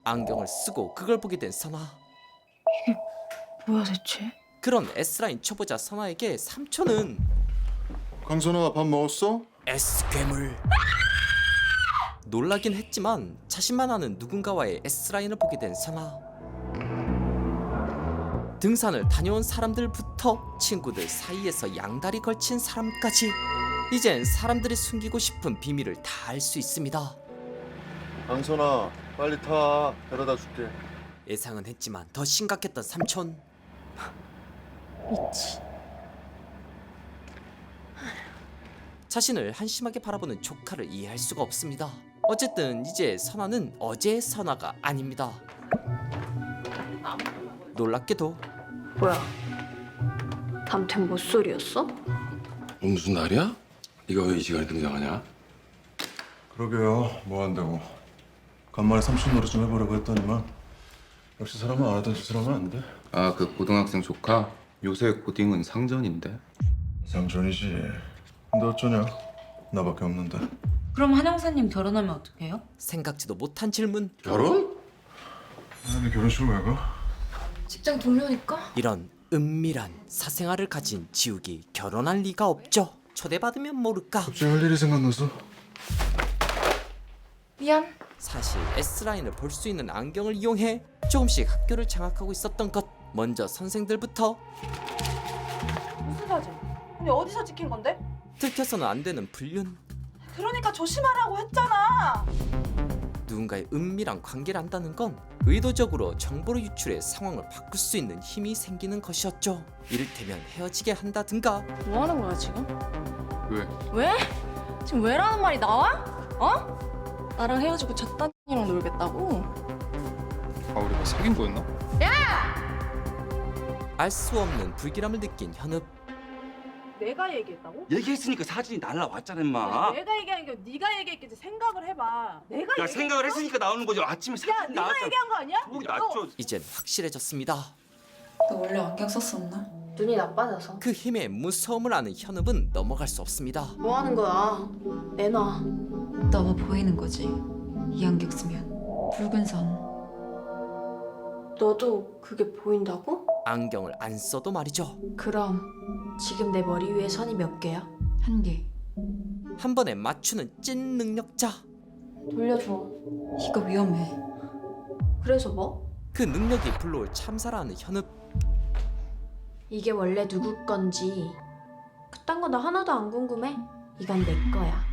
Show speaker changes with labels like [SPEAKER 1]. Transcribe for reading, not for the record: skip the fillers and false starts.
[SPEAKER 1] 안경을 쓰고 그걸 보게 된 선아.
[SPEAKER 2] 뭐야 대체?
[SPEAKER 1] 그런 S라인 초보자 선아에게 삼촌은
[SPEAKER 3] 강선아, 밥 먹었어?
[SPEAKER 1] S괴물. 놀라긴 했지만 자신만 아는 누군가와의 S라인을 보게 된 선아. 등산을 다녀온 사람들부터 친구들 사이에서 양다리 걸친 사람까지 이젠 사람들이 숨기고 싶은 비밀을 다 알 수 있습니다.
[SPEAKER 3] 강선아, 빨리 타. 데려다 줄게.
[SPEAKER 1] 예상은 했지만 더 심각했던 삼촌.
[SPEAKER 2] 미치.
[SPEAKER 1] 자신을 한심하게 바라보는 조카를 이해할 수가 없습니다. 어쨌든 이제 선아는 어제의 선아가 아닙니다. 놀랍게도
[SPEAKER 2] 뭐야? 담탱 못소리였어?
[SPEAKER 4] 오늘 무슨 날이야? 네가 왜 이 시간에 등장하냐?
[SPEAKER 3] 그러게요. 뭐 한다고. 간만에 삼촌 노릇 좀 해보려고 했더니만 역시 사람은 안 하던 짓을 하면 안 돼.
[SPEAKER 5] 아, 그 고등학생 조카? 요새 고딩은 상전인데.
[SPEAKER 3] 상전이지. 근데 어쩌냐? 나밖에 없는데.
[SPEAKER 6] 그럼 한 형사님 결혼하면 어떡해요?
[SPEAKER 1] 생각지도 못한 질문.
[SPEAKER 4] 결혼?
[SPEAKER 3] 근데 결혼식을 왜 가?
[SPEAKER 2] 직장 동료니까?
[SPEAKER 1] 이런 은밀한 사생활을 가진 지욱이 결혼할 리가 없죠. 초대받으면 모를까.
[SPEAKER 3] 갑자기 할 일이 생각나서.
[SPEAKER 2] 미안.
[SPEAKER 1] 사실 S라인을 볼 수 있는 안경을 이용해 조금씩 학교를 장악하고 있었던 것. 먼저 선생들부터
[SPEAKER 7] 무슨 사진? 근데 어디서 찍힌 건데?
[SPEAKER 1] 들켜서는 안 되는 불륜.
[SPEAKER 7] 그러니까 조심하라고 했잖아.
[SPEAKER 1] 누군가의 은밀한 관계를 한다는 건 의도적으로 정보를 유출해 상황을 바꿀 수 있는 힘이 생기는 것이었죠. 이를테면 헤어지게 한다든가
[SPEAKER 2] 뭐 하는 거야 지금?
[SPEAKER 5] 왜?
[SPEAKER 2] 왜? 지금 왜라는 말이 나와? 어? 나랑 헤어지고 잣단이랑 놀겠다고?
[SPEAKER 5] 아, 우리가 사귄 거였나?
[SPEAKER 1] 알 수 없는 불길함을 느낀 현읍.
[SPEAKER 7] 내가 얘기했다고?
[SPEAKER 8] 얘기했으니까 사진이 날라왔잖아 임마.
[SPEAKER 7] 내가 얘기한 게 네가 얘기했겠지. 생각을 해봐. 내가
[SPEAKER 8] 야 생각을 했으니까 나오는 거죠. 아침에
[SPEAKER 7] 야,
[SPEAKER 8] 사진
[SPEAKER 7] 네가
[SPEAKER 8] 나왔잖아.
[SPEAKER 7] 얘기한 거 아니야?
[SPEAKER 8] 목이
[SPEAKER 7] 너
[SPEAKER 8] 낮죠.
[SPEAKER 1] 이젠 확실해졌습니다.
[SPEAKER 6] 너 원래 안경 썼었나?
[SPEAKER 2] 눈이 나빠져서.
[SPEAKER 1] 그 힘의 무서움을 아는 현읍은 넘어갈 수 없습니다.
[SPEAKER 2] 뭐 하는 거야? 내놔.
[SPEAKER 6] 너무 보이는 거지. 이 안경 쓰면 붉은 선.
[SPEAKER 2] 너도 그게 보인다고?
[SPEAKER 1] 안경을 안 써도 말이죠.
[SPEAKER 2] 그럼 지금 내 머리 위에 선이 몇 개야?
[SPEAKER 6] 한 개.
[SPEAKER 1] 한 번에 맞추는 찐 능력자.
[SPEAKER 2] 돌려줘.
[SPEAKER 6] 이거 위험해.
[SPEAKER 2] 그래서 뭐?
[SPEAKER 1] 그 능력이 불러올 참사라는 현읍.
[SPEAKER 2] 이게 원래 누구 건지 그딴 거 나 하나도 안 궁금해. 이건 내 거야.